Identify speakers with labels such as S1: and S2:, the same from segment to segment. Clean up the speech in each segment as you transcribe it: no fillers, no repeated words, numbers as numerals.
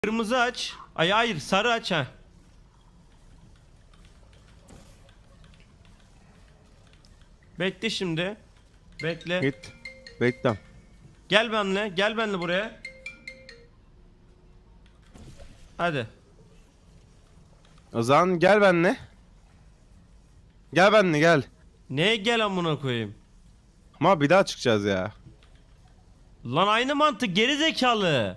S1: Kırmızı aç. Ay hayır, sarı aç ha. Bekle şimdi. Bekle.
S2: Git. Bekle.
S1: Gel benimle. Gel benimle buraya. Hadi.
S2: O zaman gel benimle. Gel benimle gel.
S1: Neye gel amına koyayım?
S2: Ama bir daha çıkacağız ya.
S1: Lan aynı mantık, geri zekalı.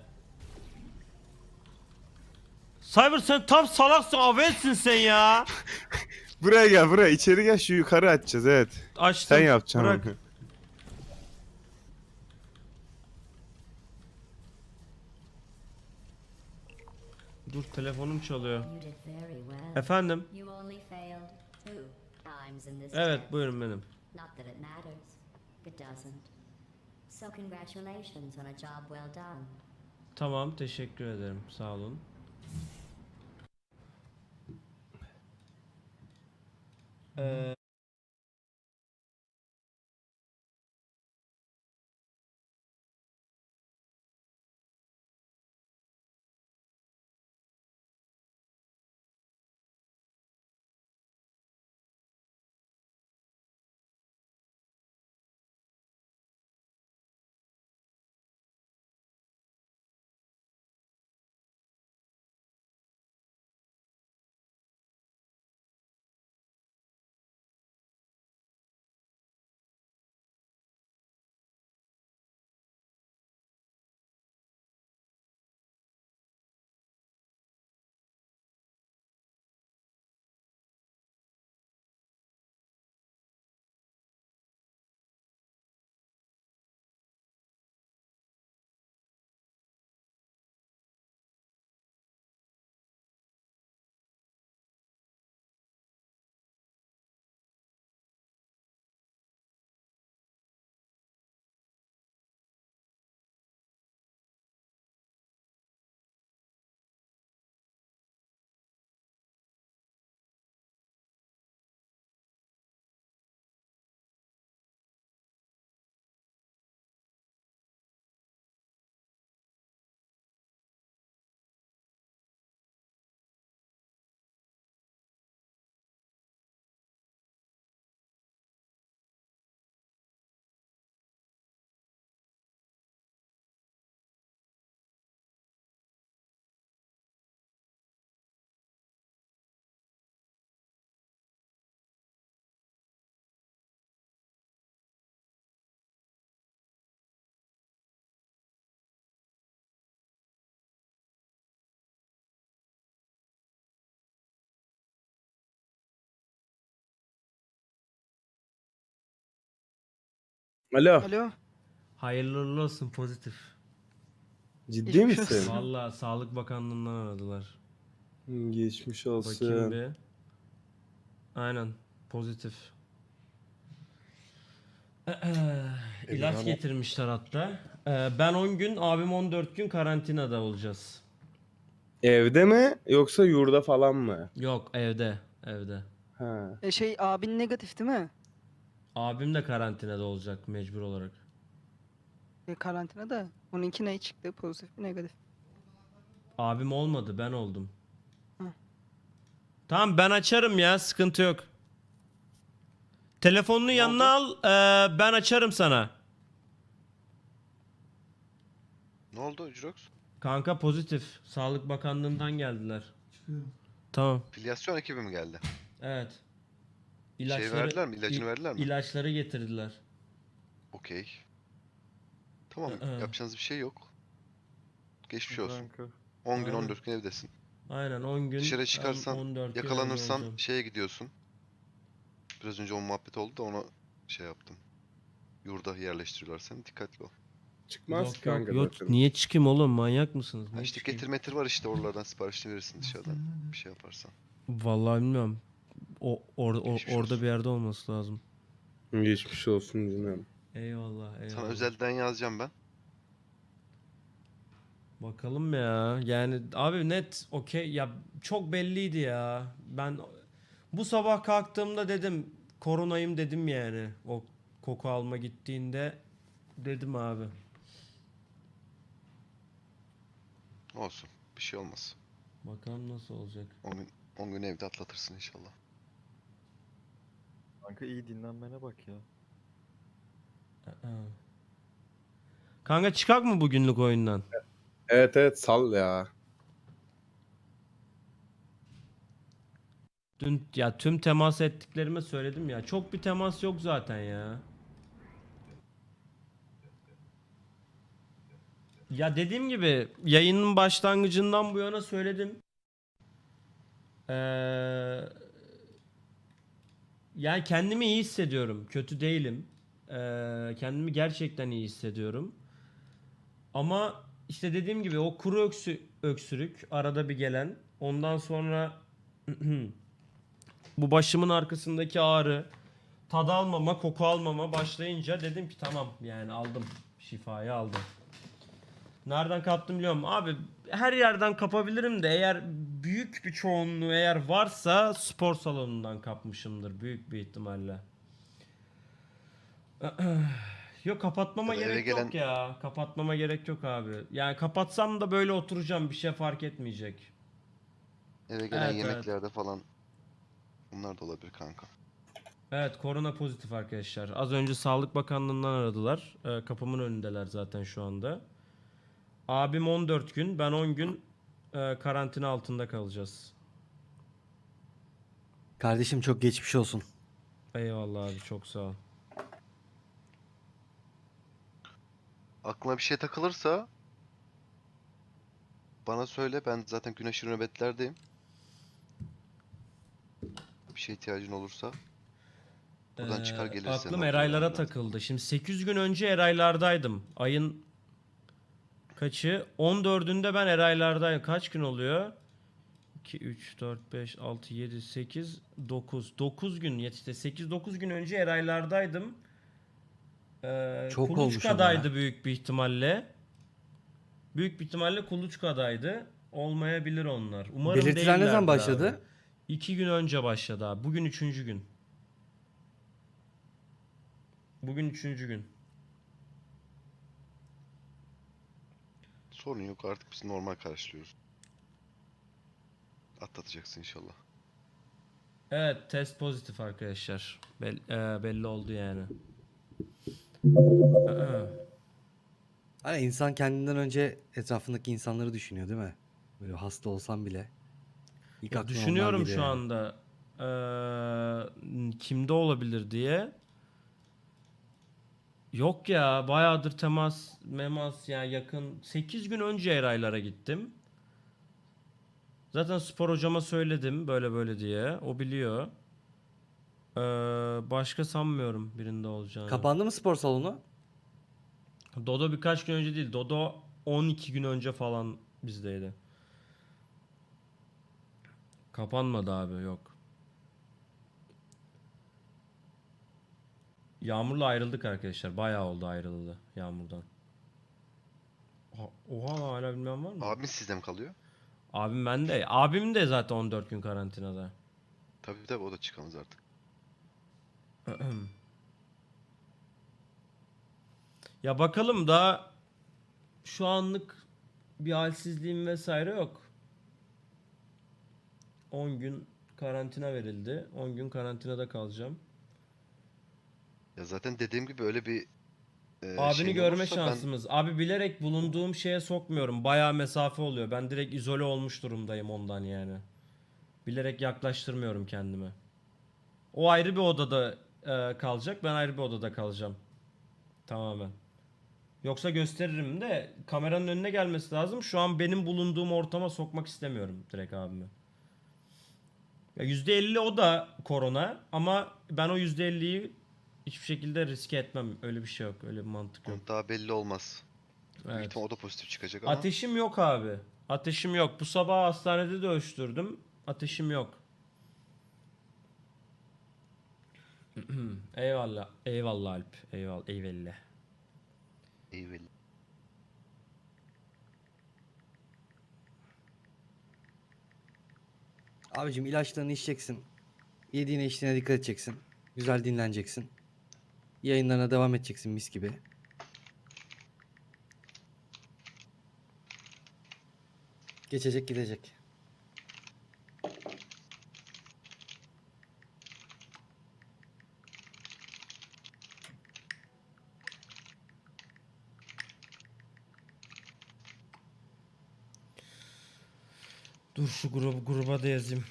S1: Cyber sen tam salaksın, avelsin sen ya.
S2: Buraya gel buraya. İçeri gel, şu yukarı açacağız, evet.
S1: Açtım.
S2: Sen yapacaksın.
S1: Bırak.
S2: onu.
S1: Dur, telefonum çalıyor.
S3: You did very well.
S1: Efendim?
S3: You only failed 2 times in this
S1: Evet,
S3: test.
S1: buyurun benim.
S3: Not that it matters. It doesn't. So congratulations on a job well done.
S1: Tamam, teşekkür ederim. Sağ olun. Ee,
S2: Alo.
S4: Alo.
S1: hayırlı uğurlu olsun, pozitif.
S2: Ciddi
S4: Geçmiş
S2: misin?
S4: olsun.
S1: Vallahi Sağlık Bakanlığı'ndan aradılar.
S2: Geçmiş
S1: Bakayım
S2: olsun.
S1: bir. Aynen, pozitif. İlaç getirmişler hatta. Ben 10 gün, abim 14 gün karantinada olacağız.
S2: Evde mi yoksa yurda falan mı?
S1: Yok, evde. Evde.
S2: Ha.
S4: Abin negatif değil mi?
S1: Abim de karantinada olacak mecbur olarak.
S4: Karantinada. Onunki ne çıktı? Pozitif mi negatif?
S1: Abim olmadı, ben oldum.
S4: Hı.
S1: Tamam, ben açarım ya, sıkıntı yok. Telefonunu yanına al, ben açarım sana.
S5: Ne oldu Jurox?
S1: Kanka pozitif. Sağlık Bakanlığı'ndan geldiler. Tamam.
S5: Filyasyon ekibi mi geldi?
S1: Evet.
S5: verdiler mi? İlacını verdiler mi?
S1: İlaçları getirdiler.
S5: Okey. Tamam,
S1: Hı hı.
S5: yapacağınız bir şey yok. Geçmiş olsun. 10 gün
S1: Aynen.
S5: 14 gün evdesin.
S1: Aynen 10 gün.
S5: Dışarı çıkarsan,
S1: 14 gün evde
S5: yakalanırsan
S1: olacağım.
S5: şeye gidiyorsun. Biraz önce o muhabbet oldu da ona şey yaptım. Yurda yerleştiriyorlar seni, dikkatli ol.
S2: Çıkmaz
S1: Yok
S2: ki kanka
S1: yok yok.
S2: zaten.
S1: Niye çıkayım oğlum, manyak mısınız?
S5: Ha
S1: Niye
S5: işte
S1: çıkayım?
S5: getir metir var işte, oralardan siparişini verirsin dışarıdan. Bir şey yaparsan.
S1: Vallahi bilmiyorum.
S5: Geçmiş
S1: Orada
S5: olsun.
S1: bir yerde olması lazım.
S2: Geçmiş olsun canım.
S1: Eyvallah eyvallah.
S5: Sana özelden yazacağım ben.
S1: Bakalım ya. Yani abi net okey ya, çok belliydi ya. Ben bu sabah kalktığımda dedim koronayım dedim yani. O koku alma gittiğinde dedim abi.
S5: Olsun. Bir şey olmaz.
S1: Bakalım nasıl olacak.
S5: 10 gün evde atlatırsın inşallah.
S6: Kanka iyi dinlenmene bak ya.
S1: Aa. Kanka çıkak mı bugünlük oyundan?
S2: Evet evet sal ya.
S1: Dün ya tüm temas ettiklerime söyledim ya. Çok bir temas yok zaten ya. Ya dediğim gibi yayının başlangıcından bu yana söyledim. Ee, yani kendimi iyi hissediyorum. Kötü değilim. Kendimi gerçekten iyi hissediyorum. Ama işte dediğim gibi o kuru öksürük arada bir gelen. Ondan sonra bu başımın arkasındaki ağrı, tad almama, koku almama başlayınca dedim ki tamam yani aldım. Şifayı aldım. Nereden kaptım biliyorum. Abi her yerden kapabilirim de eğer büyük bir çoğunluğu eğer varsa spor salonundan kapmışımdır büyük bir ihtimalle. Yok kapatmama
S5: Ya da eve
S1: gerek
S5: gelen-
S1: yok ya. Kapatmama gerek yok abi. Yani kapatsam da böyle oturacağım bir şey fark etmeyecek.
S5: Eve gelen
S1: Evet,
S5: yemeklerde falan bunlar da olabilir kanka.
S1: Evet korona pozitif arkadaşlar. Az önce Sağlık Bakanlığı'ndan aradılar. Kapımın önündeler zaten şu anda. Abim 14 gün, ben 10 gün karantina altında kalacağız.
S7: Kardeşim çok geçmiş olsun.
S1: Eyvallah abi çok sağ ol.
S5: Aklına bir şey takılırsa bana söyle. Ben zaten gün aşırı nöbetlerdeyim. Bir şeye ihtiyacın olursa buradan çıkar geliriz senin
S1: Aklım
S5: olduğun
S1: Eraylara
S5: yerden.
S1: takıldı. Şimdi 8 gün önce Eraylardaydım. Ayın kaçı? 14'ünde ben Eraylardayım. Kaç gün oluyor? 2, 3, 4, 5, 6, 7, 8, 9. 9 gün işte 8-9 gün önce Eraylardaydım.
S7: Çok olmuş ama
S1: Kuluçka'daydı
S7: ya.
S1: büyük bir ihtimalle. Büyük bir ihtimalle Kuluçka'daydı. Olmayabilir onlar. Umarım
S7: Belirtiler ne zaman
S1: değillerdir
S7: başladı?
S1: abi. 2 gün önce başladı abi. Bugün 3. gün. Bugün 3. gün.
S5: Sorun yok, artık biz normal karşılıyoruz. Atlatacaksın inşallah.
S1: Evet test pozitif arkadaşlar. Belli oldu yani.
S7: Hani insan kendinden önce etrafındaki insanları düşünüyor değil mi? Böyle hasta olsam bile. İlk
S1: Ya
S7: aklına onlar
S1: düşünüyorum
S7: geliyor
S1: şu
S7: yani.
S1: anda kimde olabilir diye. Yok ya bayağıdır memas ya yakın 8 gün önce Eraylara gittim. Zaten spor hocama söyledim böyle böyle diye. O biliyor. Başka sanmıyorum birinde olacağını.
S7: Kapandı mı spor salonu?
S1: Dodo birkaç gün önce değil. Dodo 12 gün önce falan bizdeydi. Kapanmadı abi yok. Yağmur'la ayrıldık arkadaşlar. Bayağı oldu ayrıldı Yağmur'dan. Oha lan, hala bilmem var mı?
S5: Abin sizde mi kalıyor?
S1: Abim bende. Abim de zaten 14 gün karantinada.
S5: Tabii tabii, o da çıkamaz artık.
S1: Ya bakalım daha şu anlık bir halsizliğim vesaire yok. 10 gün karantina verildi. 10 gün karantinada kalacağım.
S5: Ya zaten dediğim gibi öyle bir
S1: Abini
S5: şeyin
S1: görme
S5: olursa
S1: şansımız. Abi bilerek bulunduğum şeye sokmuyorum. Bayağı mesafe oluyor. Ben direkt izole olmuş durumdayım ondan yani. Bilerek yaklaştırmıyorum kendimi. O ayrı bir odada kalacak. Ben ayrı bir odada kalacağım. Tamamen. Yoksa gösteririm de kameranın önüne gelmesi lazım. Şu an benim bulunduğum ortama sokmak istemiyorum direkt abimi. Ya %50 o da korona ama ben o %50'yi hiçbir şekilde riske etmem. Öyle bir şey yok. Öyle bir mantık yok.
S5: daha belli olmaz. Büyük
S1: Evet.
S5: ihtimal o da pozitif çıkacak ama
S1: Ateşim yok abi. Ateşim yok. Bu sabah hastanede de ölçtürdüm. Ateşim yok. Eyvallah. Eyvallah Alp. Eyvallah. Eyvallah.
S5: eyvallah.
S7: Abicim ilaçlarını içeceksin. Yediğine içtiğine dikkat edeceksin. Güzel dinleneceksin. Yayınlarına devam edeceksin mis gibi. Geçecek gidecek.
S1: Dur şu gruba da yazayım.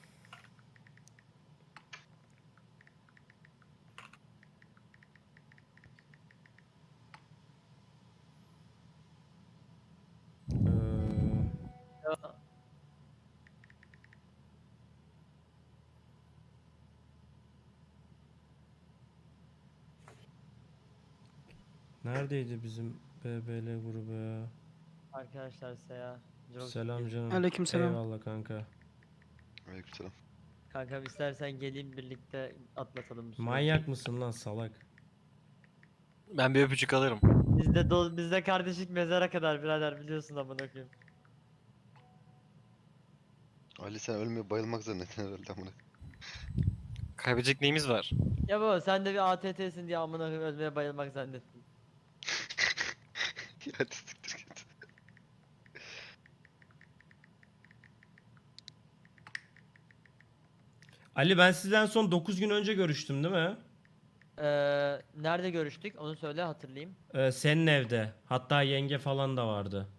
S1: Neredeydi bizim BBL grubu ya?
S8: Arkadaşlar Seya. Çok
S1: Selam canım.
S4: Aleykümselam.
S1: Eyvallah kanka.
S5: Aleykümselam.
S8: Kankam istersen geleyim birlikte atlatalım bu süreci.
S1: Manyak mısın lan salak?
S9: Ben bir öpücük alırım.
S8: Bizde kardeşlik mezara kadar birader biliyorsun amına koyayım.
S5: Ali sen ölmeye bayılmak zannettin herhalde amına.
S9: Kaybedecek neyimiz var?
S8: Ya baba sen de bir ATT'sin diye amına koyayım ölmeye bayılmak zannettin.
S5: Hadi siktir git.
S1: Ali ben sizden son 9 gün önce görüştüm değil mi?
S8: Nerede görüştük onu söyle hatırlayayım.
S1: Senin evde. Hatta yenge falan da vardı.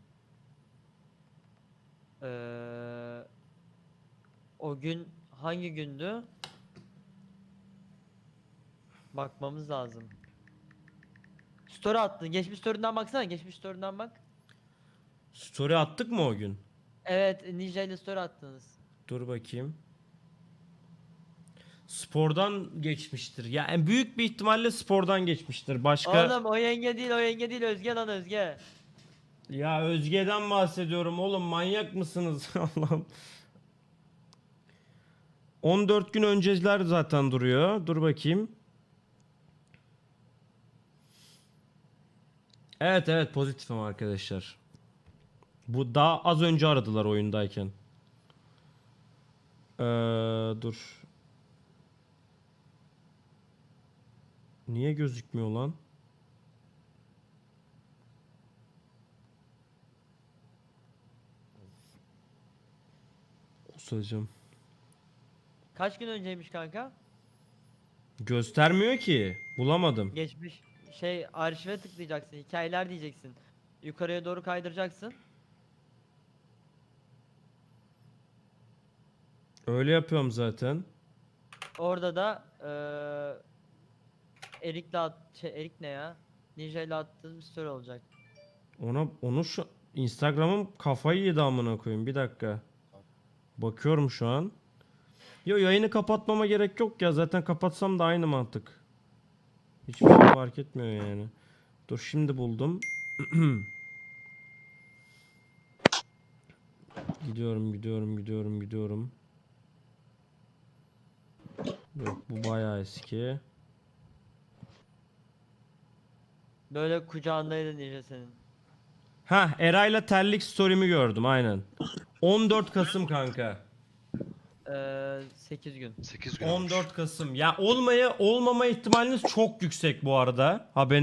S8: O gün hangi gündü? Bakmamız lazım. Story attın. Geçmiş story'den baksana. Geçmiş story'den bak.
S1: Story attık mı o gün?
S8: Evet, Ninja ile story attınız.
S1: Dur bakayım. Spordan geçmiştir. Yani büyük bir ihtimalle spordan geçmiştir. Başka...
S8: Oğlum o yenge değil, o yenge değil. Özge lan Özge.
S1: Ya Özge'den bahsediyorum oğlum, manyak mısınız? Allah'ım. 14 gün önceler zaten duruyor. Dur bakayım. Evet pozitifim arkadaşlar. Bu daha az önce aradılar oyundayken. Dur. Niye gözükmüyor lan? Osacım.
S8: Kaç gün önceymiş kanka?
S1: Göstermiyor ki. Bulamadım.
S8: Geçmiş arşive tıklayacaksın. Hikayeler diyeceksin. Yukarıya doğru kaydıracaksın.
S1: Öyle yapıyorum zaten.
S8: Orada da Erik ne ya? Ninja ile attığın bir story olacak.
S1: Onu şu Instagram'ım kafayı yedi amına koyayım. Bir dakika. Bakıyorum şu an. Yo, yayını kapatmama gerek yok ya. Zaten kapatsam da aynı mantık. Hiçbir şey fark etmiyor yani. Dur şimdi buldum. Gidiyorum. Yok, bu bayağı eski.
S8: Böyle kucağındaydı Ninja senin.
S1: Ha, Eray'la terlik story'mi gördüm aynen. 14 Kasım kanka.
S8: 8 gün.
S5: 8 gün olmuş.
S1: 14 Kasım. Ya olmama ihtimaliniz çok yüksek bu arada. Haberiniz